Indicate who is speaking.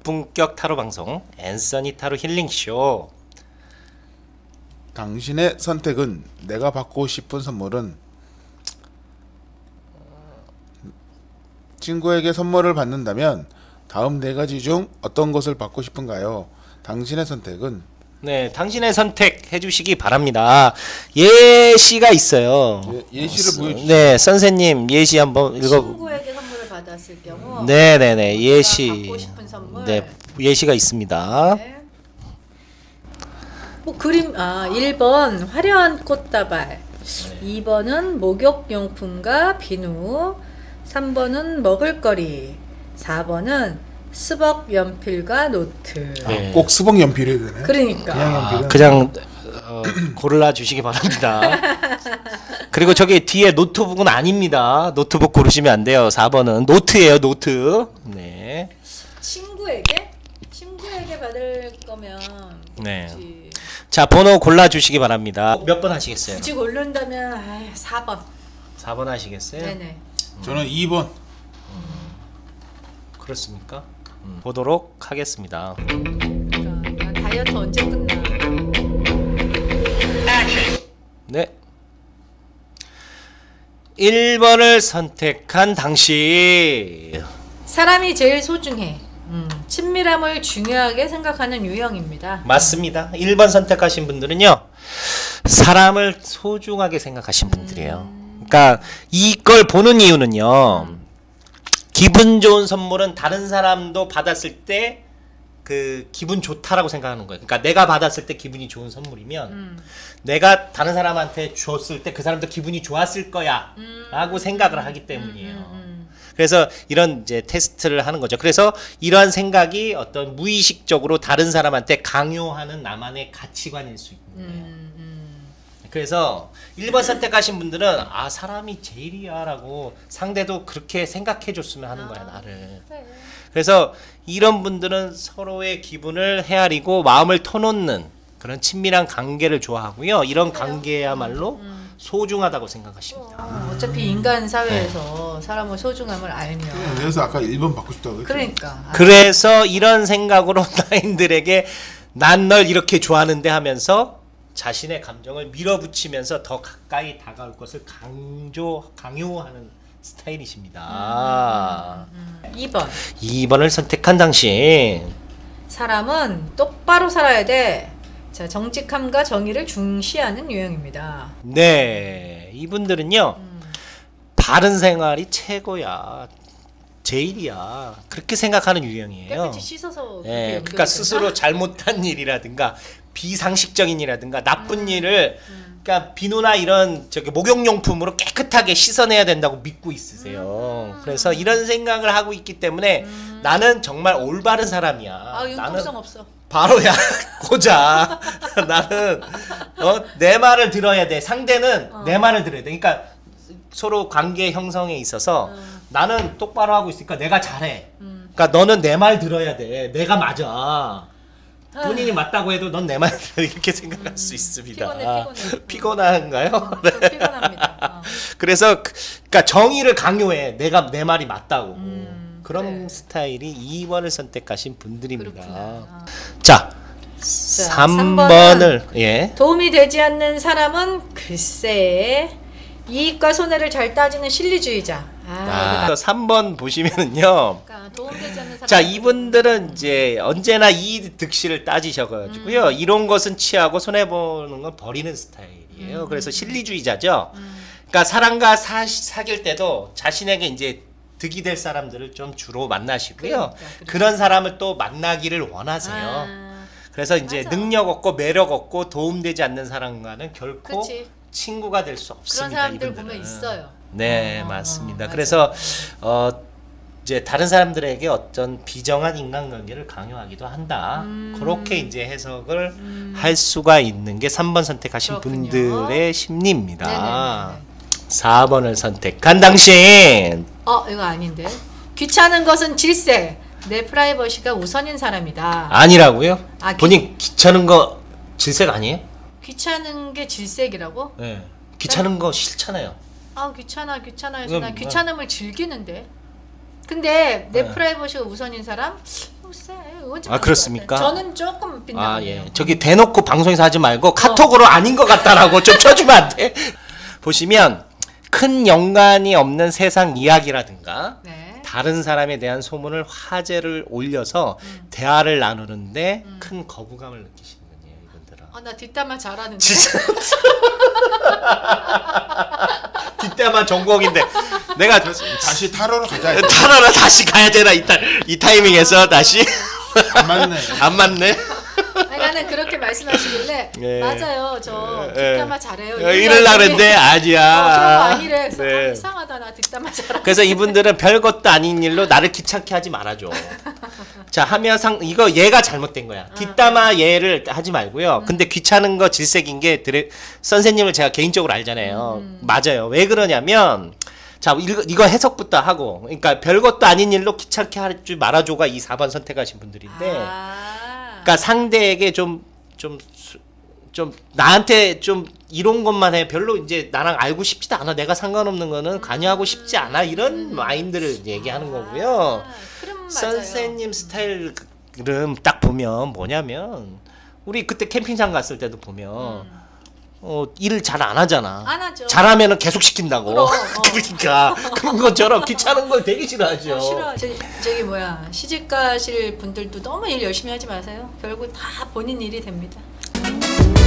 Speaker 1: 고품격 타로 방송 앤서니 타로 힐링쇼.
Speaker 2: 당신의 선택은 내가 받고 싶은 선물은 친구에게 선물을 받는다면 다음 네 가지 중 어떤 것을 받고 싶은가요? 당신의 선택은
Speaker 1: 네, 당신의 선택 해주시기 바랍니다. 예시가 있어요.
Speaker 2: 예시를 보여주세요.
Speaker 1: 네, 선생님 예시 한번 읽어.
Speaker 3: 친구에게 선물을 받았을 경우
Speaker 1: 네네네 예시.
Speaker 3: 받고 싶은 선물.
Speaker 1: 네, 예시가 있습니다.
Speaker 3: 네. 뭐 그림 1번 화려한 꽃다발, 2번은 목욕용품과 비누, 3번은 먹을거리, 4번은 수박 연필과 노트.
Speaker 1: 네.
Speaker 2: 꼭 수박 연필이 되네.
Speaker 3: 그러니까
Speaker 2: 그냥 연필은
Speaker 1: 그냥 골라 주시기 바랍니다. 그리고 저기 뒤에 노트북은 아닙니다. 노트북 고르시면 안 돼요. 4번은 노트예요, 노트. 네.
Speaker 3: 친구에게 받을 거면
Speaker 1: 네.
Speaker 3: 굳이,
Speaker 1: 자, 번호 골라 주시기 바랍니다. 몇 번 하시겠어요?
Speaker 3: 굳이 고른다면 4번.
Speaker 1: 4번 하시겠어요?
Speaker 3: 네네.
Speaker 2: 저는 2번.
Speaker 1: 그렇습니까? 보도록 하겠습니다.
Speaker 3: 그러니까 다이어트 언제 끝나?
Speaker 1: 네. 1번을 선택한 당신.
Speaker 3: 사람이 제일 소중해. 친밀함을 중요하게 생각하는 유형입니다.
Speaker 1: 맞습니다. 1번 선택하신 분들은요, 사람을 소중하게 생각하신 분들이에요. 그러니까 이걸 보는 이유는요, 기분 좋은 선물은 다른 사람도 받았을 때 그 기분 좋다라고 생각하는 거예요. 그러니까 내가 받았을 때 기분이 좋은 선물이면 내가 다른 사람한테 줬을 때 그 사람도 기분이 좋았을 거야 라고 생각을 하기 때문이에요. 그래서 이런 이제 테스트를 하는 거죠. 그래서 이러한 생각이 어떤 무의식적으로 다른 사람한테 강요하는 나만의 가치관일 수 있는 거예요. 그래서 1번 선택하신 분들은 사람이 제일이야 라고 상대도 그렇게 생각해 줬으면 하는 거야, 나를.
Speaker 3: 그래.
Speaker 1: 그래서 이런 분들은 서로의 기분을 헤아리고 마음을 터놓는 그런 친밀한 관계를 좋아하고요. 이런 관계야말로 소중하다고 생각하십니다.
Speaker 3: 어차피 인간 사회에서 사람의 소중함을 알면
Speaker 2: 그래서 아까 1번 받고 싶다고 했죠.
Speaker 3: 그러니까
Speaker 1: 그래서 이런 생각으로 나인들에게 난 널 이렇게 좋아하는데 하면서 자신의 감정을 밀어붙이면서 더 가까이 다가올 것을 강요하는 스타일이십니다.
Speaker 3: 2번
Speaker 1: 2번을 선택한 당신.
Speaker 3: 사람은 똑바로 살아야 돼. 자, 정직함과 정의를 중시하는 유형입니다.
Speaker 1: 네, 이분들은요, 바른 생활이 최고야, 제일이야, 그렇게 생각하는 유형이에요.
Speaker 3: 깨끗이 씻어서
Speaker 1: 예,
Speaker 3: 그렇게
Speaker 1: 그러니까
Speaker 3: 연결된다?
Speaker 1: 스스로 잘못한 일이라든가 비상식적인 일이라든가 나쁜 일을 그러니까 비누나 이런 저기 목욕용품으로 깨끗하게 씻어내야 된다고 믿고 있으세요. 그래서 이런 생각을 하고 있기 때문에 나는 정말 올바른 사람이야.
Speaker 3: 융통성 없어.
Speaker 1: 바로야 고자. 나는 내 말을 들어야 돼. 상대는 내 말을 들어야 돼. 그러니까 서로 관계 형성에 있어서 나는 똑바로 하고 있으니까 내가 잘해. 그러니까 너는 내 말 들어야 돼. 내가 맞아. 본인이 맞다고 해도 넌 내 말 들어. 이렇게 생각할 수 있습니다.
Speaker 3: 피곤해.
Speaker 1: 피곤한가요?
Speaker 3: 좀 피곤합니다.
Speaker 1: 그래서 그러니까 정의를 강요해. 내가 내 말이 맞다고. 그런
Speaker 3: 그래.
Speaker 1: 스타일이 2번을 선택하신 분들입니다.
Speaker 3: 그렇구나.
Speaker 1: 자, 3번을 예.
Speaker 3: 도움이 되지 않는 사람은 글쎄 이익과 손해를 잘 따지는 실리주의자.
Speaker 1: 그래서 3번 보시면은요.
Speaker 3: 그러니까 도움되지 않는 사람.
Speaker 1: 자, 이분들은 이제 언제나 이익 득실을 따지셔가지고요. 이런 것은 취하고 손해 보는 건 버리는 스타일이에요. 그래서 실리주의자죠. 그러니까 사람과 사귈 때도 자신에게 이제 득이 될 사람들을 좀 주로 만나시고요.
Speaker 3: 그러니까.
Speaker 1: 그런 사람을 또 만나기를 원하세요. 그래서 이제
Speaker 3: 맞아.
Speaker 1: 능력 없고 매력 없고 도움되지 않는 사람과는 결코
Speaker 3: 그치.
Speaker 1: 친구가 될 수
Speaker 3: 그런
Speaker 1: 없습니다.
Speaker 3: 사람들
Speaker 1: 이분들은.
Speaker 3: 보면 있어요.
Speaker 1: 네, 맞습니다.
Speaker 3: 맞아요.
Speaker 1: 그래서 이제 다른 사람들에게 어떤 비정한 인간관계를 강요하기도 한다. 그렇게 이제 해석을 할 수가 있는 게 3번 선택하신
Speaker 3: 그렇군요.
Speaker 1: 분들의 심리입니다.
Speaker 3: 네네네.
Speaker 1: 4번을 선택한 당신.
Speaker 3: 이거 아닌데. 귀찮은 것은 질색. 내 프라이버시가 우선인 사람이다.
Speaker 1: 아니라고요?
Speaker 3: 아,
Speaker 1: 본인 귀찮은 거 질색 아니에요?
Speaker 3: 귀찮은 게 질색이라고?
Speaker 1: 네. 귀찮은 거 싫잖아요.
Speaker 3: 귀찮아 해서
Speaker 1: 그럼,
Speaker 3: 난 귀찮음을 즐기는데. 근데 내
Speaker 1: 네.
Speaker 3: 프라이버시가 우선인 사람? 글쎄 그건 좀
Speaker 1: 아,
Speaker 3: 아닌 것
Speaker 1: 그렇습니까?
Speaker 3: 같아요. 저는 조금 빗나가네요.
Speaker 1: 아, 예. 저기 대놓고 방송에서 하지 말고 카톡으로 아닌 것 같다라고 좀 쳐주면 안 돼? 보시면 큰 연관이 없는 세상 이야기라든가
Speaker 3: 네.
Speaker 1: 다른 사람에 대한 소문을 화제를 올려서 대화를 나누는데 큰 거부감을 느끼시는 거예요, 이분들은.
Speaker 3: 아, 나 뒷담화 잘하는데.
Speaker 1: 진짜. 뒷담화 전공인데 내가
Speaker 2: 다시 타로로 가자.
Speaker 1: 타러러 다시 가야 되나 이 타이밍에서 다시
Speaker 2: 안 맞네.
Speaker 1: 안 맞네.
Speaker 3: 아니, 나는 그렇게 말씀하시길래
Speaker 1: 예.
Speaker 3: 맞아요. 저
Speaker 1: 예.
Speaker 3: 뒷담화 잘해요.
Speaker 1: 이럴라 그랬는데 아니야.
Speaker 3: 그런 거 아니래. 그래서
Speaker 1: 네.
Speaker 3: 아, 이상하다. 나 뒷담화 잘하는데.
Speaker 1: 그래서 이분들은 별것도 아닌 일로 나를 귀찮게 하지 말아줘. 자, 하면상 이거 얘가 잘못된 거야. 뒷담화 얘를 하지 말고요. 근데 귀찮은 거 질색인 게 선생님을 제가 개인적으로 알잖아요. 맞아요. 왜 그러냐면 자, 이거 해석부터 하고. 그러니까 별것도 아닌 일로 귀찮게 하지 말아줘가 이 4번 선택하신 분들인데. 그러니까 상대에게 좀 나한테 좀 이런 것만 해. 별로 이제 나랑 알고 싶지도 않아. 내가 상관없는 거는 관여하고 싶지 않아. 이런 마인드를 얘기하는 거고요.
Speaker 3: 그럼 맞아요.
Speaker 1: 선생님 스타일은 딱 보면 뭐냐면 우리 그때 캠핑장 갔을 때도 보면 일을 잘 안 하잖아.
Speaker 3: 안 하죠.
Speaker 1: 잘하면은 계속 시킨다고.
Speaker 3: 그럼,
Speaker 1: 그러니까 그런 것처럼 귀찮은 걸 되게 싫어하죠.
Speaker 3: 싫어. 저기 뭐야, 시집 가실 분들도 너무 일 열심히 하지 마세요. 결국 다 본인 일이 됩니다.